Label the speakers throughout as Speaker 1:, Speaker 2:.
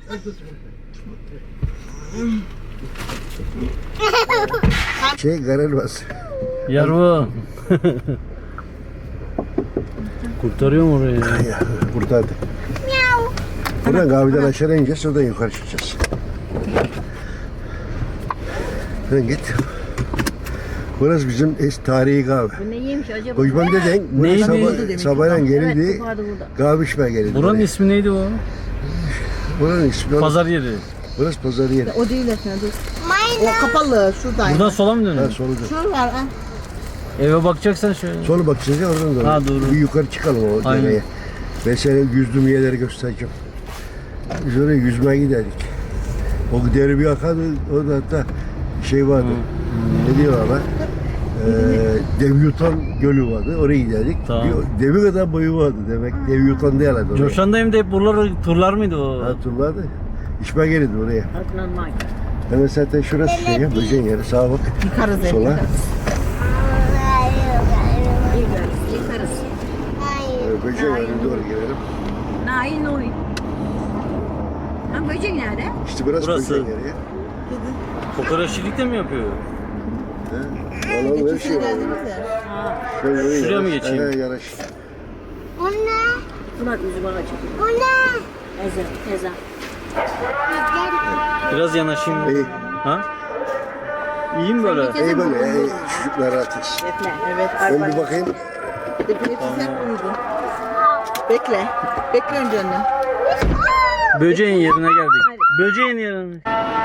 Speaker 1: Garelmez.
Speaker 2: Yarvo. Kurtarıyor mu orayı?
Speaker 1: Ya, kurtardı. Buradan kahveden aşağı ineceğiz, oradan yukarı çıkacağız. Sen git. Burası bizim tarihi kahve.
Speaker 3: Bu ne yemiş acaba?
Speaker 1: Kocaman deden
Speaker 2: Neydi?
Speaker 1: sabahleyin gelirdi,
Speaker 3: Evet, vardı burada.
Speaker 1: kahve içmeye gelirdi.
Speaker 2: Buranın
Speaker 1: buraya.
Speaker 2: ismi neydi o?
Speaker 1: Buranın ismi
Speaker 2: Pazar yeri.
Speaker 1: Burası pazar yeri.
Speaker 4: O değil efendim. O kapalı şuradan.
Speaker 2: Buradan sola mı
Speaker 1: Ha,
Speaker 2: dönüyor?
Speaker 1: solu dön.
Speaker 4: Şur var ha.
Speaker 2: Eve bakacaksan şöyle.
Speaker 1: Solu bakacağız ya, oradan doğru.
Speaker 2: Ha, doğru.
Speaker 1: Bir yukarı çıkalım o
Speaker 2: Aynen.
Speaker 1: dereye. Ben sana yüzdüğüm yerleri göstereceğim. Biz oraya yüzmeye giderdik. O dere bir akardı, orada hatta şey vardı. Ne diyorlar lan? Dev yutan gölü vardı, oraya giderdik.
Speaker 2: Tamam.
Speaker 1: Bir devi kadar boyu vardı demek. Dev yutan diyorlardı oraya.
Speaker 2: Coşan'dayım da hep buraları turlar mıydı o?
Speaker 1: Hatırlardı. İşme gelirdi oraya.
Speaker 3: Normal.
Speaker 1: Hemen zaten şurası şey ya, böceğin yeri. Sağa bak.
Speaker 4: Yıkarız ev.
Speaker 1: Sola.
Speaker 3: Yıkarız. Yıkarız.
Speaker 1: Böceğin yerine doğru gelelim.
Speaker 3: Nail oy. Ha böcek nerede?
Speaker 1: İşte burası,
Speaker 2: Burası.
Speaker 1: böceğin yeri ya.
Speaker 2: Kokoreççilik de mi yapıyor?
Speaker 1: Valla böyle şey var. Şöyle
Speaker 2: Şuraya mı
Speaker 1: yanaş.
Speaker 2: geçeyim?
Speaker 1: He, yanaş.
Speaker 3: Bunlar yüzü bana çekiyor. Ezan.
Speaker 2: Biraz yanaşayım.
Speaker 1: İyi.
Speaker 2: Ha? İyi mi böyle?
Speaker 1: İyi böyle. Çocuklar rahatız.
Speaker 4: Evet.
Speaker 1: Ben bir bakayım.
Speaker 4: Hepiniz sen uyudun. Bekle. Bekle önce annem.
Speaker 2: Böceğin yerine geldik. Böceğin yerine.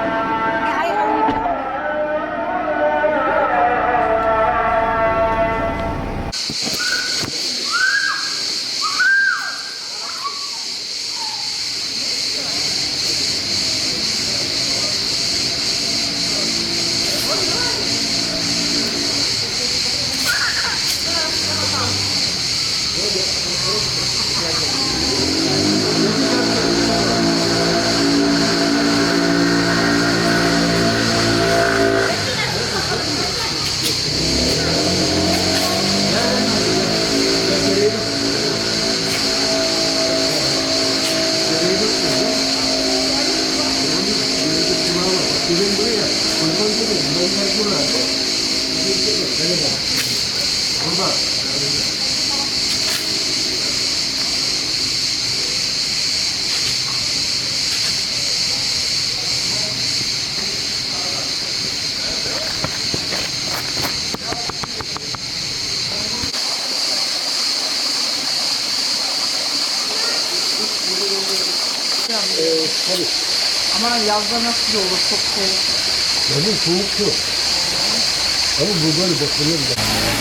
Speaker 4: Ama yazda nasıl olur çok şey.
Speaker 1: Benim soğuk yok. Ama bu böyle bakılır da.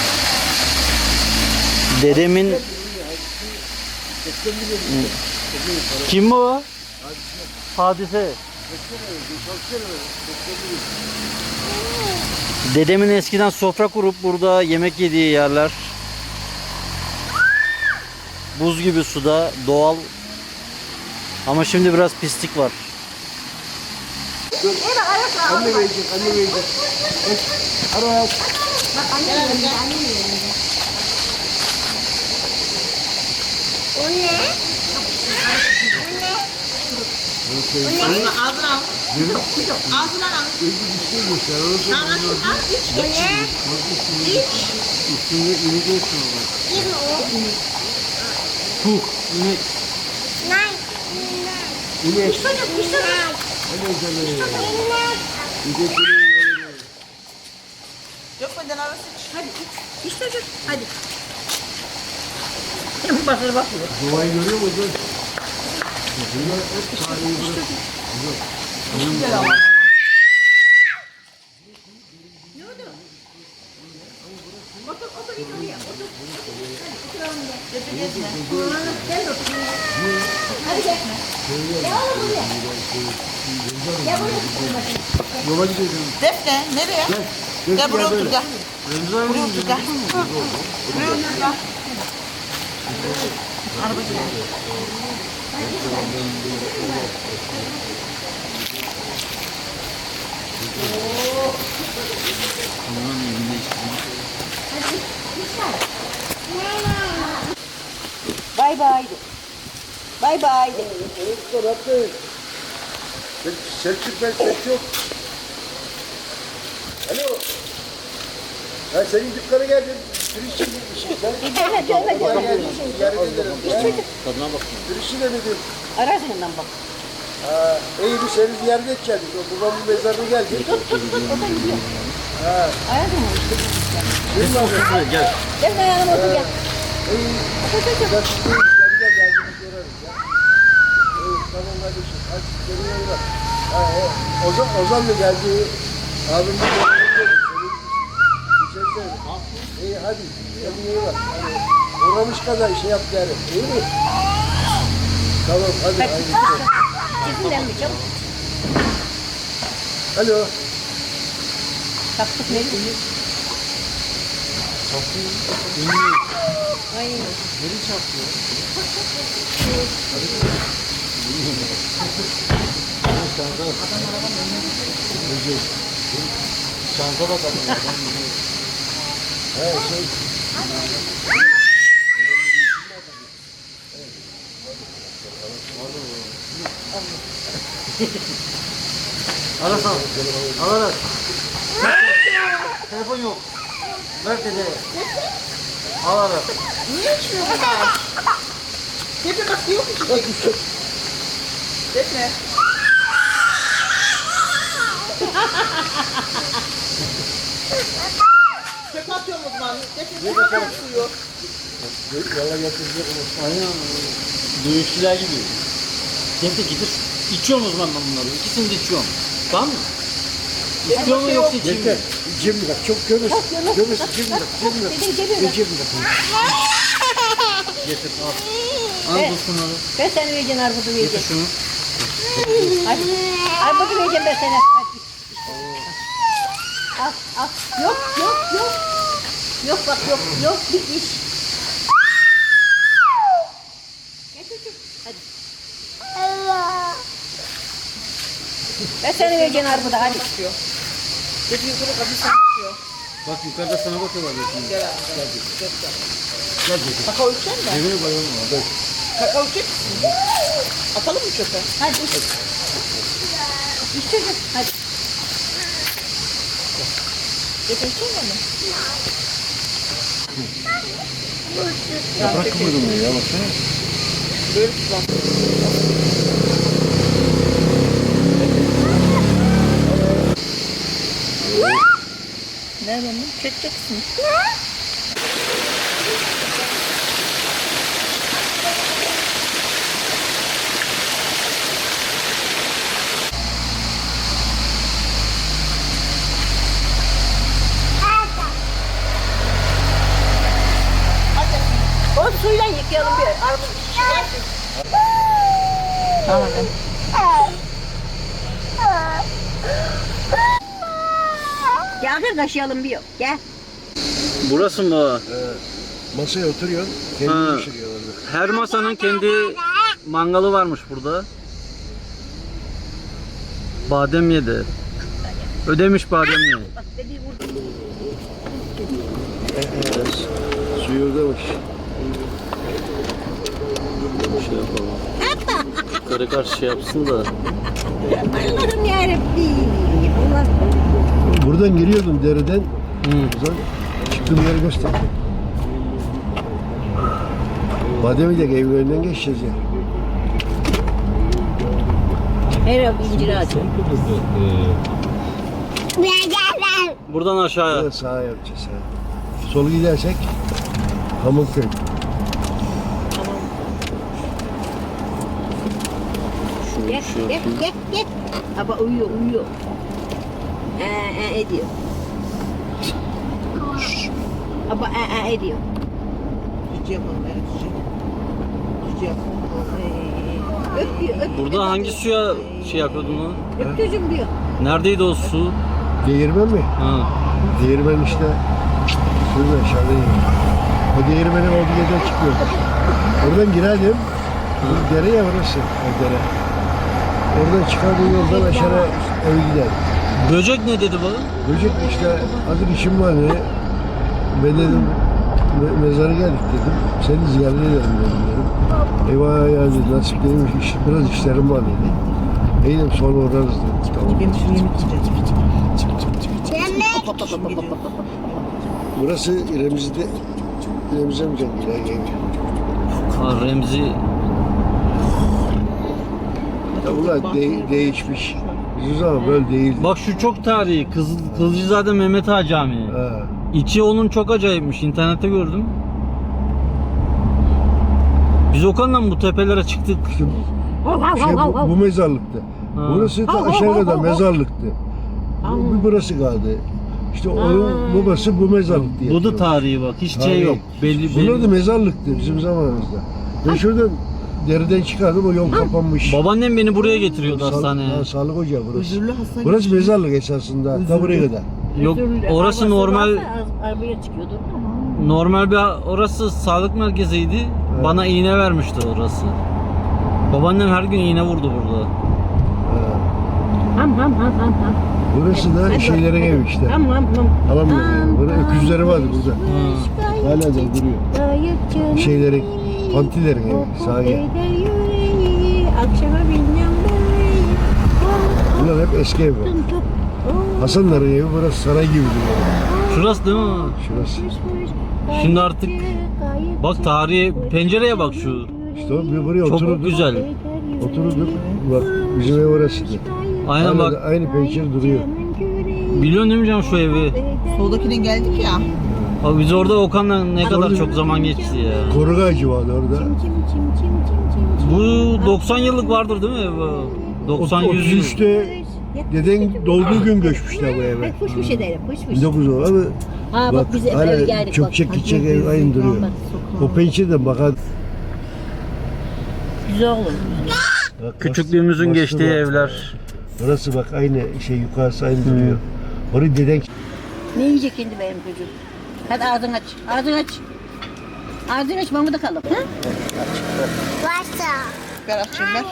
Speaker 2: Dedemin... Kim bu? Hadise. Dedemin eskiden sofra kurup burada yemek yediği yerler. Buz gibi suda, doğal. Ama şimdi biraz pislik var.
Speaker 1: Anne verecek, anne verecek. Ara.
Speaker 5: O ne?
Speaker 4: Ağzına al. Ağzına al.
Speaker 5: O ne?
Speaker 1: Üstünde inek olsun ama.
Speaker 5: Kim o?
Speaker 2: Puh, inek.
Speaker 5: Nay.
Speaker 1: İnek.
Speaker 5: Çocuk.
Speaker 1: Hadi canım.
Speaker 5: İnek.
Speaker 1: İneklerin yanına.
Speaker 4: Dökmeden arası.
Speaker 3: Hadi iç çocuk. Hadi. Bakır bakıyor.
Speaker 1: Doğayı görüyor musun? Bunlar hep tarihi bırak.
Speaker 4: Güzel ama.
Speaker 3: Otur git oraya. Otur.
Speaker 4: Gezme.
Speaker 3: Gel otur. Hadi gel. Gel oğlum buraya. Gel buraya.
Speaker 1: Yola gidiyorum.
Speaker 4: Defne nereye? Gel buraya otur gel. Buraya otur gel. Buraya otur gel. Araba gidiyor.
Speaker 3: Bay bay de. Bay bay de.
Speaker 1: Selçuk ben ses yok. Alo. Ben senin dükkana geldim. Turistçi gitmişim sen. Bana geldin. Yarın gelirim.
Speaker 2: Tadına bakın.
Speaker 1: Turistçi de dedim.
Speaker 3: Arasından bak.
Speaker 1: Ha, iyi bir seni ziyaret edeceğiz. Babamın mezarına geldik.
Speaker 3: O da gidiyor.
Speaker 1: Ha.
Speaker 3: Arasından işte.
Speaker 2: Gel.
Speaker 3: Gel ben yanıma otur gel.
Speaker 1: İyi.
Speaker 3: Otur otur.
Speaker 1: Gel geldiğimiz görürüz ya. İyi tamam kardeşim. Hadi kendine iyi bak. Ha, Ozan da geldi. Abim de geldi. İyi hadi. Kendine iyi bak. Hadi. Uğramış kadar şey yap yani. İyi mi? Tamam hadi. Hadi.
Speaker 3: Çizimden mi çabuk?
Speaker 1: Alo.
Speaker 3: Taktık ne diyor? Ay.
Speaker 2: Şansa bakalım.
Speaker 1: He şey.
Speaker 2: Arasana. Al aras. Telefon yok. Ver dede. Al aras.
Speaker 4: Niye içmiyor bunlar? Defne bak yok içecek. Defne. Çöp atıyorum o zaman. Defne ne kadar suyu?
Speaker 1: Valla getirecek onu.
Speaker 2: Aynen. Dövüşçüler gibi. Dede gidip içiyorum o zaman ben bunları. İkisini de içiyorum. Tamam mı? İstiyor mu yoksa içeyim mi?
Speaker 1: Yeter. Cimri bak çok gömüş. Gömüş cimri bak. Cimri bak.
Speaker 3: Dedim geliyor.
Speaker 1: Cimri bak.
Speaker 2: Getir al. Al
Speaker 3: Evet.
Speaker 2: dostum onu.
Speaker 3: Ben seni vereceğim arbudu
Speaker 2: Getir
Speaker 3: vereceğim.
Speaker 2: şunu.
Speaker 3: Hadi. Arbudu vereceğim ben sana. Hadi. Al al. Yok yok yok. Yok bak yok yok bitmiş. Gel çocuğum. Hadi. Ben seni vereceğim arbudu hadi.
Speaker 4: Defne yukarı kapıyı sana bakıyor.
Speaker 2: Bak yukarıda sana bakıyorlar.
Speaker 4: Gel abi. Gel.
Speaker 1: Gel dedi.
Speaker 4: Kakao içecek misin?
Speaker 1: Evine bayılma. Hadi.
Speaker 4: Kakao içecek misin? Atalım mı çöpe?
Speaker 3: Hadi iç. İç çocuğum hadi.
Speaker 4: Defne içecek mi?
Speaker 1: Yaprak kıvırdı bunu ya baksana.
Speaker 4: Böyle tutan. Nereden mi? Çekeceksin.
Speaker 3: O suyla yıkayalım bir armut.
Speaker 4: Tamam.
Speaker 3: Gel gel kaşıyalım bir gel.
Speaker 2: Burası mı?
Speaker 1: Masaya oturuyor.
Speaker 2: Ha.
Speaker 1: Kendi pişiriyorlar.
Speaker 2: Her masanın kendi mangalı varmış burada. Badem yedi. Ödemiş badem yedi.
Speaker 3: Bak dediği vurdu.
Speaker 1: Suyu oradamış.
Speaker 2: Şey yapalım. Yukarı karşı şey yapsın da.
Speaker 3: Allah'ım yarabbim. Allah.
Speaker 1: Buradan giriyordum dereden. Buradan çıktığım yeri gösterdim. Bademi de evin önünden geçeceğiz ya.
Speaker 3: Her an incir ağacı.
Speaker 2: Buradan aşağıya.
Speaker 1: Burada sağa yapacağız. Ha. Solu gidersek Hamurköy.
Speaker 3: Gel gel gel gel. Ama uyuyor uyuyor. Ediyor. Ama ediyor.
Speaker 4: Cici yapalım. Evet cici. Cici yapalım.
Speaker 3: Öpüyor öpüyor.
Speaker 2: Burada hangi suya şey yapıyordun lan?
Speaker 3: Öp çocuğum diyor.
Speaker 2: Neredeydi o su?
Speaker 1: Değirmen mi?
Speaker 2: Ha.
Speaker 1: Değirmen işte. Şurada aşağıda değirmen. O değirmenin olduğu yerden çıkıyor. Oradan girerdim. Bu dere ya burası. O dere. Oradan çıkardığı yoldan aşağı eve giderdim.
Speaker 2: Böcek ne dedi bana?
Speaker 1: Böcek işte azıcık işim var dedi. Ben dedim mezara geldik dedim. Seni ziyaret edelim dedim. Eyvah ya dedi. Nasip dedim biraz işlerim var dedi. İyiyim sonra uğrarız dedim. Tamam.
Speaker 4: Benim şu yemek yiyeceğim.
Speaker 5: Yemek.
Speaker 1: Burası İremiz'de. İremiz'e mi canım?
Speaker 2: Ha, Remzi
Speaker 1: Ya ulan değişmiş. Bizim zaman böyle değildi.
Speaker 2: bak şu çok tarihi Kızılcızade Mehmet Ağa Camii.
Speaker 1: Ha.
Speaker 2: İçi onun çok acayipmiş. İnternette gördüm. Biz Okan'la bu tepelere çıktık.
Speaker 1: Bu mezarlıktı.
Speaker 2: Ha.
Speaker 1: Burası ta aşağı kadar mezarlıktı. Burası kaldı. İşte onun babası bu mezarlık diye.
Speaker 2: Bu da
Speaker 1: yapıyormuş.
Speaker 2: tarihi bak. Hiç şey
Speaker 1: Tarihi.
Speaker 2: yok. Belli
Speaker 1: Bunlar da
Speaker 2: belli.
Speaker 1: mezarlıktı bizim zamanımızda. Ben şuradan deriden çıkardım, o yol kapanmış.
Speaker 2: Babaannem beni buraya getiriyordu hastaneye.
Speaker 1: Sağlık ocağı burası.
Speaker 4: Özürlü hasta
Speaker 1: Burası mezarlık esasında. Ta buraya kadar.
Speaker 2: Yok orası normal
Speaker 3: Arabaya çıkıyordur ama.
Speaker 2: normal bir orası sağlık merkeziydi. Bana iğne vermişti orası. Babaannem her gün iğne vurdu burada.
Speaker 3: Ham ham ham ham ham.
Speaker 1: Burası da şeylerin evi işte.
Speaker 3: Ham ham ham.
Speaker 1: Alamıyorum. Burada öküzleri vardı burada. Hala da duruyor. Şeylerin, pantilerin evi. Sahi.
Speaker 3: Akşama bilmem
Speaker 1: Bunlar hep eski ev. Hasanların evi burası saray gibi duruyor.
Speaker 2: Şurası değil mi?
Speaker 1: Şurası.
Speaker 2: Şimdi artık bak tarihi pencereye bak şu.
Speaker 1: İşte o bir buraya
Speaker 2: Çok
Speaker 1: otururduk.
Speaker 2: güzel.
Speaker 1: Oturduk. Bak bizim ev orasıydı.
Speaker 2: Aynen
Speaker 1: Hala
Speaker 2: bak.
Speaker 1: da aynı pencere duruyor.
Speaker 2: Biliyorsun değil mi canım şu evi?
Speaker 4: Soldakine geldik ya.
Speaker 2: Abi biz orada Okan'la ne kadar çok zaman geçti ya.
Speaker 1: Koruk ağacı vardı orada.
Speaker 2: Bu 90 yıllık vardır değil mi ev? 90-100 yıl.
Speaker 1: 33'te deden doğduğu gün göçmüşler bu eve.
Speaker 3: Fışmış ederim fışmış.
Speaker 1: 1900 oldu ama
Speaker 3: Ha bak biz
Speaker 1: hala
Speaker 3: eve geldik.
Speaker 1: çökecek gidecek ev aynı duruyor. O pencereden bakar.
Speaker 3: Güzel olur.
Speaker 1: Bak,
Speaker 2: Küçüklüğümüzün
Speaker 1: bastı
Speaker 2: geçtiği
Speaker 1: bak.
Speaker 2: evler.
Speaker 1: Burası bak aynı şey yukarısı aynı duruyor. Orayı deden
Speaker 3: Ne yiyecek şimdi benim çocuğum? Hadi ağzını aç. Ağzını aç. Ağzını aç mamada kalın. Ha?
Speaker 5: Varsa.
Speaker 4: Ver açayım ben.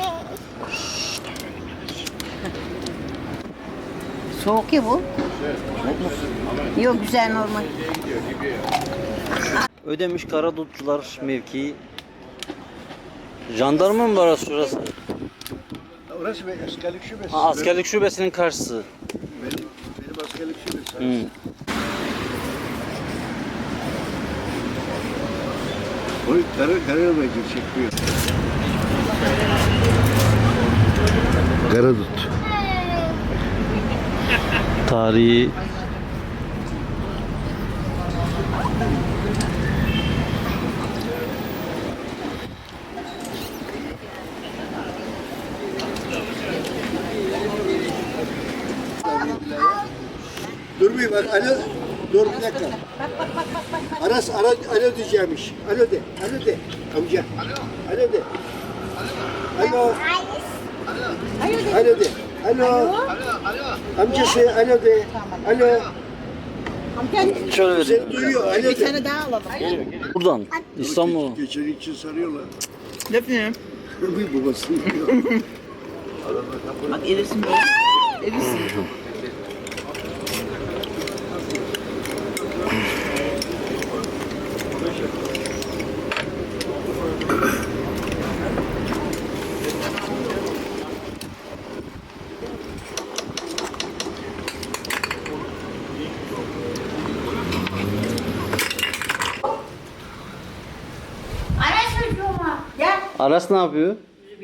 Speaker 3: Soğuk ya bu. Yok güzel normal.
Speaker 2: Ödemiş Karadutçular mevkii. Jandarma mı var orası şurası?
Speaker 1: Orası bir askerlik şubesi.
Speaker 2: Ha, askerlik şubesinin karşısı.
Speaker 1: Benim askerlik şubesi.
Speaker 2: Hı.
Speaker 1: O Karadut çekiyor. Karadut.
Speaker 2: Tarihi
Speaker 1: Dur bir bak alo. Dur bir dakika. Alo diyeceğimiş. Alo de. Alo de. Amca. Alo de. Alo. Alo de. Alo. Amcası alo de. Alo.
Speaker 2: şöyle vereyim.
Speaker 1: Seni duyuyor. Alo
Speaker 4: Bir
Speaker 1: de.
Speaker 4: tane daha alalım.
Speaker 2: Buradan İstanbul.
Speaker 1: Geçen için sarıyorlar.
Speaker 4: Defne.
Speaker 1: Bir babasını diyor.
Speaker 4: Bak erisin böyle. Erisin.
Speaker 5: Ara çocuğuma.
Speaker 3: Gel.
Speaker 2: Aras ne yapıyor?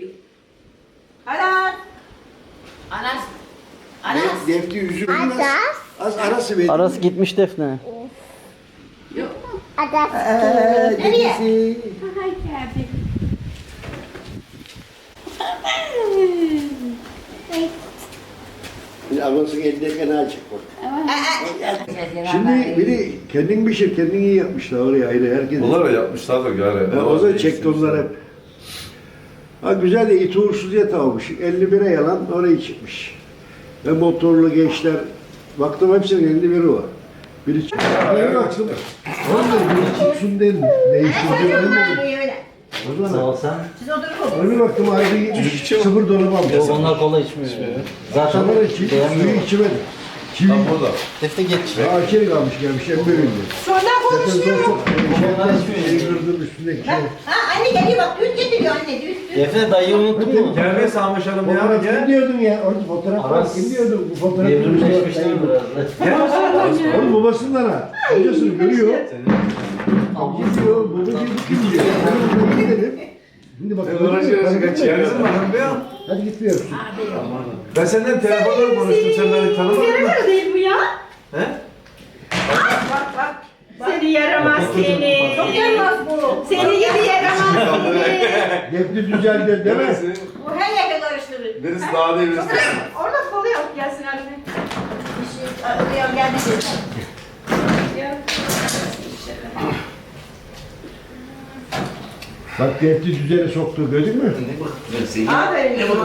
Speaker 3: Aras. Aras. Aras.
Speaker 1: Defti üzülmez. Az arası verin.
Speaker 2: Aras gitmiş Defne.
Speaker 5: Ada.
Speaker 3: Nereye?
Speaker 1: Anasını eldeyken açık bak. Şimdi biri kendin pişir, kendin iyi yapmışlar oraya ayrı herkes.
Speaker 6: Onlar da yapmışlardır yani.
Speaker 1: O da çekti onlar hep. Ha güzel de iti uğursuz yatağı olmuş. 51'e yalan oraya çıkmış. Ve motorlu gençler, baktım hepsinin 51'i var. Biri çıktı. Bir baktım. Orada biri çıksın dedim. Değiştirdi ben dedim. O
Speaker 2: Sağ
Speaker 1: zaman
Speaker 2: ol sen.
Speaker 1: öyle baktım ayrı gitmiş. Sıfır dolabı almış.
Speaker 2: Onlar kola içmiyor. Zaten
Speaker 1: Sonra suyu
Speaker 2: beğenmiyor.
Speaker 1: içmedi. Çivi.
Speaker 6: Tam burada.
Speaker 2: Defne geç.
Speaker 1: Daha içeri kalmış gelmiş en bölümde.
Speaker 3: Sonra
Speaker 1: Zaten
Speaker 3: konuşuyorum.
Speaker 1: çok şeyi kırdım üstündeki şey.
Speaker 3: Ha anne Anne geliyor bak düğün getiriyor anne düğün.
Speaker 2: Defne dayıyı unuttuk mu?
Speaker 6: Gelmeye sarmışalım ya.
Speaker 1: Fotoğraf kim diyordun ya? Orada fotoğraf var. Kim diyordu? Bu fotoğraf
Speaker 2: Evrimleşmişler biraz.
Speaker 1: Oğlum babasından ha. Amcasını görüyor. Amcası diyor. Babacığım kim diyor? Ben de dedim. Şimdi bak.
Speaker 6: Yarısın bakalım be ya.
Speaker 1: Hadi gitmiyoruz.
Speaker 6: Ben senden telefonla konuştum. Sen beni tanımadın mı?
Speaker 4: değil bu ya.
Speaker 6: He?
Speaker 4: Seni yaramaz seni.
Speaker 3: Çok yaramaz bu.
Speaker 4: Seni yedi yaramaz seni.
Speaker 1: Defne düzeldi değil mi?
Speaker 3: Bu her yerde karıştırır.
Speaker 6: Birisi daha değil, birisi
Speaker 4: Orada kolu yok gelsin Arife.
Speaker 3: Arıyorum geldi.
Speaker 1: Bak Defne düzene soktu gördün mü?
Speaker 4: Aferin kızıma.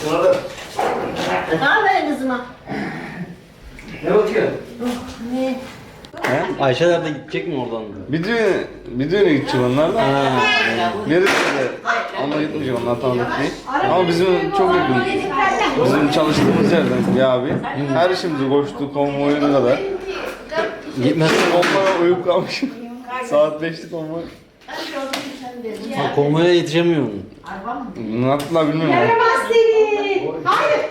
Speaker 3: Aferin kızıma.
Speaker 6: Ne bakıyor?
Speaker 2: Ayşeler de gidecek mi oradan?
Speaker 7: Bir düğüne gideceğim onlar da. Neresi de onunla gitmeyeceğim, onlar tanıdık değil. Ama bizim çok yakın. Bizim çalıştığımız yerden bir abi. Her işimizi koştu, konvoyuna kadar.
Speaker 2: Gitmez.
Speaker 7: Konvoya uyup kalmışım. Saat 5'ti konvoy.
Speaker 2: Ha, konvoya yetişemiyorum.
Speaker 7: Ne yaptılar bilmiyorum.
Speaker 4: Yaramaz seni. Hayır.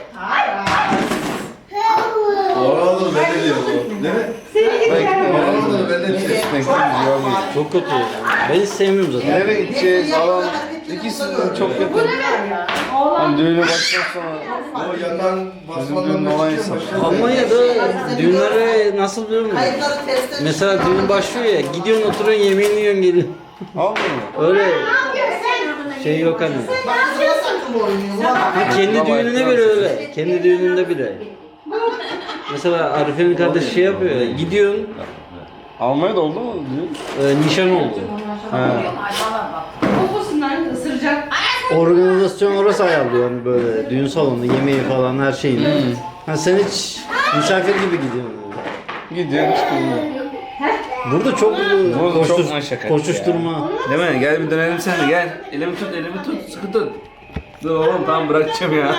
Speaker 6: Oralı ben de diyorum. Değil mi?
Speaker 4: Seni gidi yaramaz.
Speaker 6: Oralı ben de diyorum.
Speaker 2: Çok kötü. Ben hiç sevmiyorum zaten.
Speaker 7: Nereye gideceğiz falan. İkisi de çok yakın. Hani düğüne baştan sonra
Speaker 6: O yakan
Speaker 7: bizim düğünün olan insan.
Speaker 2: Almanya'da düğünlere nasıl biliyor musun? Mesela düğün başlıyor ya, gidiyorsun oturuyorsun yemeğini yiyorsun geliyorsun.
Speaker 7: Almıyor mu?
Speaker 2: Öyle şey yok hani. Ha, kendi düğününe bile öyle. Kendi düğününde bile. Mesela Arife'nin kardeşi şey yapıyor ya, gidiyorsun
Speaker 7: Almanya'da oldu mu düğün?
Speaker 2: nişan oldu.
Speaker 4: Kokusundan ısıracak.
Speaker 2: Organizasyon orası ayarlıyor yani böyle düğün salonu, yemeği falan her şeyini. Ha, sen hiç misafir gibi gidiyorsun.
Speaker 7: Gidiyorsun çıkıyorsun.
Speaker 2: Burada çok
Speaker 7: Burada çok maşakkat
Speaker 2: koşuşturma.
Speaker 7: Değil mi? Gel bir dönelim sen de gel. Elimi tut, sıkı tut. Dur oğlum tamam bırakacağım ya.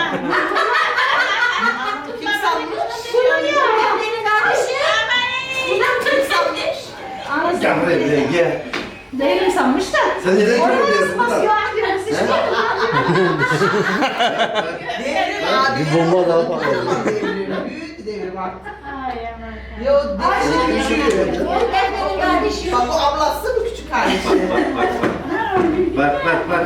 Speaker 6: Gel buraya gel.
Speaker 4: Değilim sanmış da.
Speaker 6: Sen neden çok diyorsun
Speaker 4: Basıyor
Speaker 6: da?
Speaker 4: amcamız işte.
Speaker 2: Bir bomba daha patladı.
Speaker 8: Büyük devir bak.
Speaker 4: Ay aman.
Speaker 8: Yo devir. Bak o ablası mı küçük kardeşi?
Speaker 6: Bak.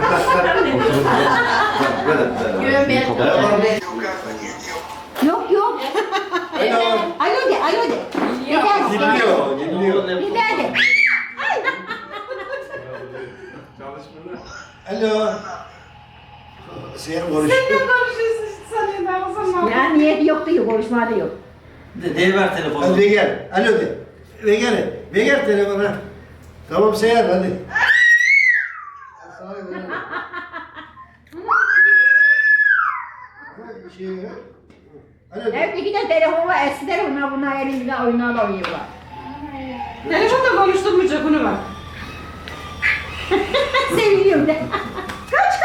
Speaker 3: Yok yok. Alo de.
Speaker 6: Dinliyor.
Speaker 3: Biber de.
Speaker 1: Alo. Sen konuş.
Speaker 4: Konuşuyorsun sanıyorum ben o zaman.
Speaker 3: Ya niyeti yok diyor konuşma da yok.
Speaker 2: Ver telefonu.
Speaker 1: Hadi gel. Alo de. Ve gel telefona. Tamam Seher hadi. Alo de.
Speaker 3: Hep iki de telefon var eski telefonlar bunlar elimizde oyunlarla oynuyorlar.
Speaker 4: Telefonda konuşturmayacak bunu bak.
Speaker 3: Seviniyorum de.
Speaker 4: Kaç.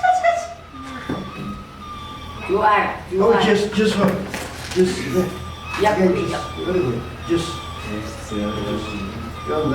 Speaker 3: Yuvar.
Speaker 1: Oh, just var. Just.
Speaker 3: Yap.
Speaker 1: Öyle koy. Just. Yolla.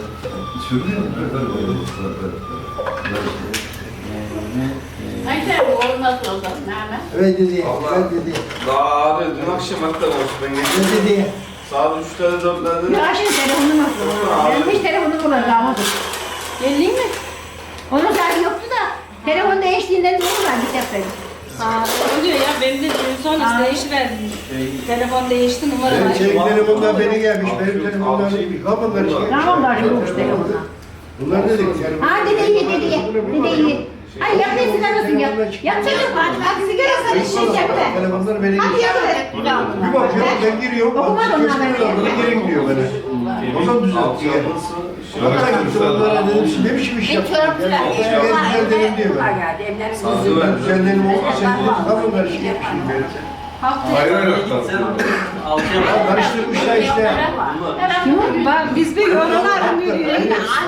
Speaker 3: Ayşe olmaz olmaz. Nerede?
Speaker 1: Evet dedi. Evet dedi.
Speaker 7: Daha abi dün akşam hatta konuştum ben geçtim.
Speaker 1: Ne dedi?
Speaker 7: Saat 3'te 4'lerde.
Speaker 3: Ya şimdi telefonu nasıl? Benim hiç telefonum kullanamadım. Geleyim mi? Onun saati yoktu da. Telefon değiştiğinden ne var bir sefer.
Speaker 4: Oluyor ya benim de düğün sonrası değişiverdim. Telefon değişti numara var.
Speaker 1: Senin telefondan beni gelmiş. Benim telefondan değil. Kapınlar işte.
Speaker 3: Tamam var yokmuş telefonla.
Speaker 1: Bunlar dedik yani.
Speaker 3: Ha dede iyi. Ay yap ne sigarasın yap. Yap çocuk hadi sigarasını içecek be.
Speaker 1: Telefonlar beni
Speaker 3: Hadi
Speaker 1: geçiyor.
Speaker 3: yap be.
Speaker 1: Bir bakıyorum ben giriyorum.
Speaker 3: Okumadı onlar beni.
Speaker 1: Geri gidiyor bana. O zaman düzeltti yani. Hatta gitti onlara dedim siz ne biçim iş yaptınız? Ben dedim diyor ben. Sen dedim oldu sen dedim kapınlar işte yapmışım benim.
Speaker 6: Hayır.
Speaker 1: Karıştırmışlar işte.
Speaker 4: Bak biz bir yorumlar yürüyoruz.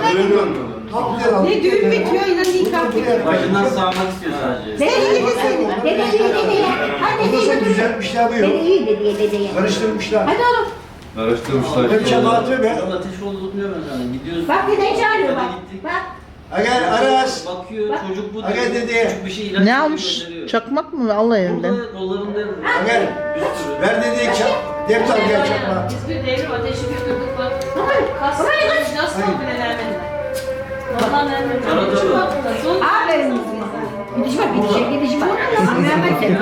Speaker 4: Ne düğün bitiyor yine nikah bitiyor.
Speaker 2: Başından sağmak istiyor sadece.
Speaker 3: Dede iyi deseydin. Dede iyi dedeye. Hadi
Speaker 1: Nasıl
Speaker 3: dedeye.
Speaker 1: düzeltmişler bu
Speaker 3: Dede
Speaker 1: yok.
Speaker 3: iyi dedeye.
Speaker 1: Karıştırmışlar.
Speaker 3: Hadi oğlum.
Speaker 6: Araştırmışlar.
Speaker 1: Hep çaba atıyor be.
Speaker 2: Ateş oldu tutmuyor ben sana. Gidiyorsun.
Speaker 3: Bak dedeyi çağırıyor bak. Bak.
Speaker 1: Aga Aras.
Speaker 2: Bakıyor çocuk bu
Speaker 1: Aga
Speaker 2: diyor.
Speaker 1: dedi.
Speaker 2: Çocuk bir şey ilaç
Speaker 9: Ne
Speaker 2: veriyor,
Speaker 9: almış?
Speaker 2: gönderiyor.
Speaker 9: Çakmak mı? Allah elinden.
Speaker 2: Burada kollarında
Speaker 1: Aga ver dedi defter gel çakma.
Speaker 4: Biz bir devrim ateşi götürdük bak. Kas nasıl bile vermediler. Vallahi vermediler.
Speaker 2: Arada
Speaker 4: Şu
Speaker 2: da.
Speaker 4: hafta son.
Speaker 3: Aferin kızım. Gidişme, gidişme. Mehmet seni.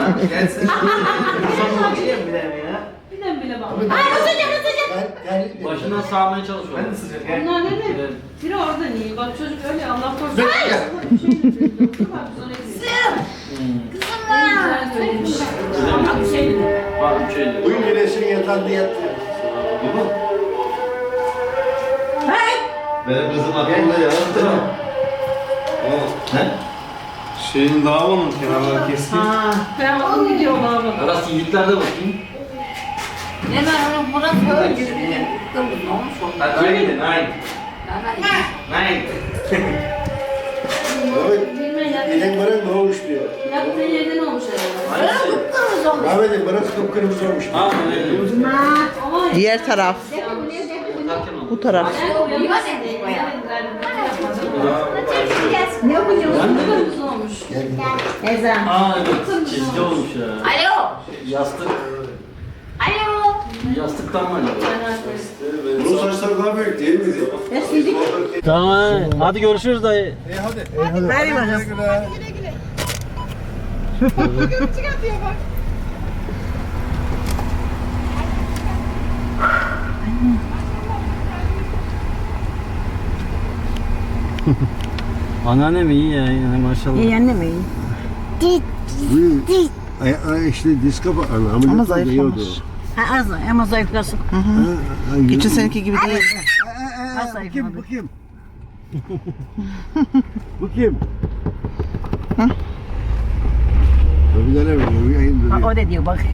Speaker 4: Bilen bile bak.
Speaker 3: Ay ısıcak.
Speaker 2: Başından sağmaya çalışıyor.
Speaker 4: Onlar ne mi?
Speaker 2: Evet.
Speaker 4: Biri orada niye? Bak çocuk öyle Allah korusun. Bak biz ona gidiyoruz. En güzel söylemiş. Bak bir şey dedi.
Speaker 2: Bak bir şey diyor.
Speaker 1: Bugün güneşin yatağında yattı.
Speaker 7: Benim kızım aklımda ya. Şeyin davanın kenarları keskin.
Speaker 4: Ben onu gidiyorum abi.
Speaker 2: Aras yiğitlerde bakayım. Aynen aynen. Aynen.
Speaker 1: Mehmet
Speaker 4: Bilmem ya.
Speaker 1: elin bırak ne olmuş diyor.
Speaker 4: Yaptığı yerden olmuş herhalde.
Speaker 1: Mehmet'in bırak kıpkırmızı olmuş.
Speaker 2: Tamam öyle.
Speaker 4: Ama
Speaker 9: Diğer taraf. Bu taraf.
Speaker 4: ben uyanmasın diye.
Speaker 3: Ne yapacağım?
Speaker 4: Kırmızı olmuş.
Speaker 3: Ezan.
Speaker 2: Aa evet. Çizgi olmuş ya.
Speaker 5: Alo.
Speaker 2: Yastık.
Speaker 5: Alo.
Speaker 2: Yastıktan mı acaba?
Speaker 1: Bunun saçları daha büyük değil miydi?
Speaker 2: Tamam. Hadi görüşürüz dayı.
Speaker 1: Hadi.
Speaker 9: Ver bakalım.
Speaker 2: Anneannem iyi ya yani maşallah.
Speaker 9: İyi anne mi?
Speaker 1: İşte diz kapağı. Ameliyat
Speaker 9: Ama
Speaker 1: oldu,
Speaker 9: zayıflamış.
Speaker 1: iyi oldu.
Speaker 3: Ha az ama zayıflasın.
Speaker 9: Geçen seneki gibi değil.
Speaker 1: Bu kim? Bu kim? Bu kim? Bir tane mi?
Speaker 3: O da diyor bak.